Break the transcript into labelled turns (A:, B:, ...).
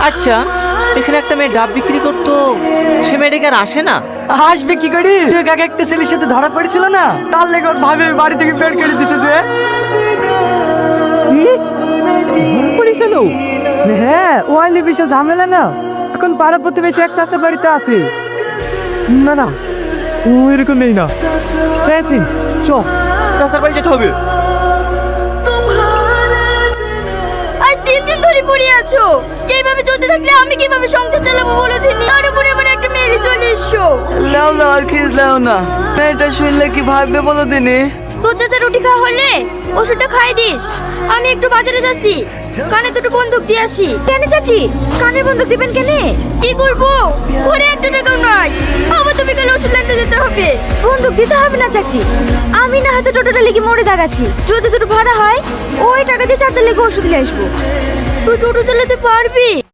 A: আচ্ছা, এখানে একটা মেয়ে ডাব বিক্রি করতো, সে মেয়েটাকে আর আসে না?
B: আসবে কি করি? তুই কাকে একটা ছেলের সাথে ধরা পড়েছিল না, তার লেগে ওর ভাবে বাড়ি থেকে বের করে দিছে যে।
A: পড়েছিল?
B: হ্যাঁ, ওয়াইলি বিশাল ঝামেলা না, এখন পাড়া প্রতিবেশী এক চাচা বাড়িতে আছে। না না, ও এরকম নেই না। হ্যাঁ সিং, চ
A: চাচার বাড়ি যেতে হবে।
C: আজ 3 দিন ধরে পড়ে আছো, এইভাবে চলতে থাকলে আমি কিভাবে সংসার চালাবো বলো দিনি? তার উপরে আবার একটা মেয়ে চলে এসছো।
B: লাও লাও আর খিস লাও না, এটা শুনলে কি ভাববে বলো দিনি?
C: তোর চাচা রুটি খাওয়া হলে ওষুধটা খাই দিস। আমি একটু বাজারে যাচ্ছি, কানে দুটো বন্দুক দিয়ে আসি। কেন চাচি, কানে বন্দুক দিবেন কেন? কি করবো, ঘরে একটা টাকাও নাই, আবার তুমি কাল ওষুধ আনতে যেতে হবে। বন্দুক দিতে হবে না চাচি, আমি না হাতে টোটোটা লেগে মরে দাঁড়াচ্ছি। যদি দুটো ভাড়া হয় ওই টাকা দিয়ে চাচার লেগে ওষুধ নিয়ে আসবো। তুই টোটো চালাতে পারবি?